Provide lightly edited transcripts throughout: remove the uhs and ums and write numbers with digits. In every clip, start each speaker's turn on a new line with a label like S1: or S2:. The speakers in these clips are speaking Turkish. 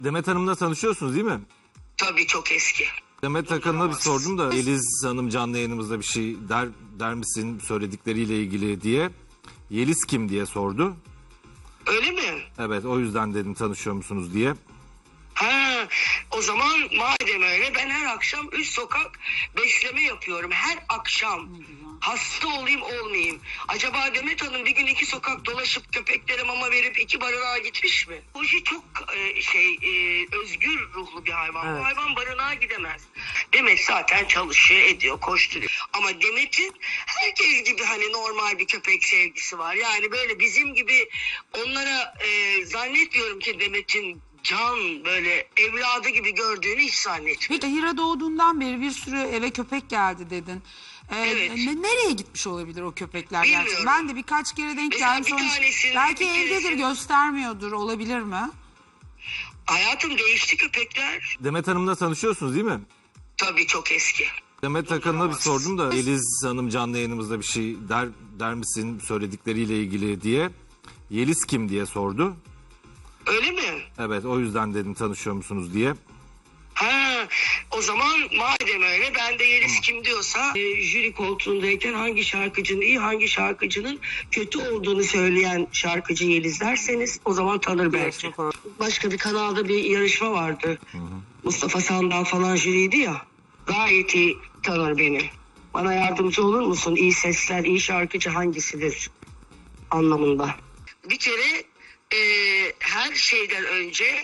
S1: Demet Hanım'la tanışıyorsunuz değil mi?
S2: Tabii çok eski.
S1: Demet Akalın'a bir sordum da Yeliz Hanım canlı yayınımızda bir şey der misin söyledikleriyle ilgili diye. Yeliz kim diye sordu.
S2: Öyle mi?
S1: Evet, o yüzden dedim tanışıyor musunuz diye.
S2: Ha, o zaman madem öyle ben her akşam üst sokak besleme yapıyorum. Her akşam. Hasta olayım olmayayım. Acaba Demet Hanım bir gün 2 sokak dolaşıp köpeklere mama verip 2 barınağa gitmiş mi? Bu şey çok özgür ruhlu bir hayvan.
S3: Evet.
S2: Bu hayvan barınağa gidemez. Demet zaten çalışıyor, ediyor, koşturuyor. Ama Demet'in herkes gibi hani normal bir köpek sevgisi var. Yani böyle bizim gibi onlara zannetmiyorum ki Demet'in can böyle evladı gibi gördüğünü hiç zannetmiyorum.
S3: Peki Hira doğduğundan beri bir sürü eve köpek geldi dedin.
S2: Evet.
S3: Nereye gitmiş olabilir o köpekler
S2: Bilmiyorum.
S3: gerçekten? Ben de birkaç kere denk
S2: Mesela
S3: geldim.
S2: bir tanesini,
S3: Belki
S2: bir
S3: evdedir,
S2: keresini-
S3: göstermiyordur, olabilir mi?
S2: Hayatım değişti köpekler.
S1: Demet Hanım'la tanışıyorsunuz değil mi?
S2: Tabii çok eski.
S1: Demet Akalın'a bir sordum da Yeliz Hanım canlı yayınımızda bir şey der misin söyledikleriyle ilgili diye. Yeliz kim diye sordu.
S2: Öyle mi?
S1: Evet, o yüzden dedim tanışıyor musunuz diye.
S2: Ha, o zaman madem öyle ben de Yeliz kim diyorsa jüri koltuğundayken hangi şarkıcının iyi hangi şarkıcının kötü olduğunu söyleyen şarkıcı Yeliz derseniz o zaman tanır belki. Başka bir kanalda bir yarışma vardı. Mustafa Sandal falan jüriydi ya. Gayet iyi tanır beni. Bana yardımcı olur musun? İyi sesler, iyi şarkıcı hangisidir anlamında. Bir kere her şeyden önce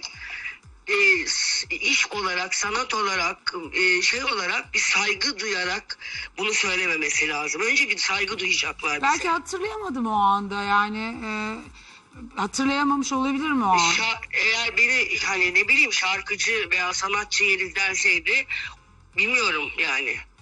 S2: iş olarak, sanat olarak, şey olarak bir saygı duyarak bunu söylememesi lazım. Önce bir saygı duyacaklar bize.
S3: Belki hatırlayamadım o anda yani. Hatırlayamamış olabilir mi o an?
S2: Eğer beni hani ne bileyim şarkıcı veya sanatçı Yeliz derseydi bilmiyorum yani.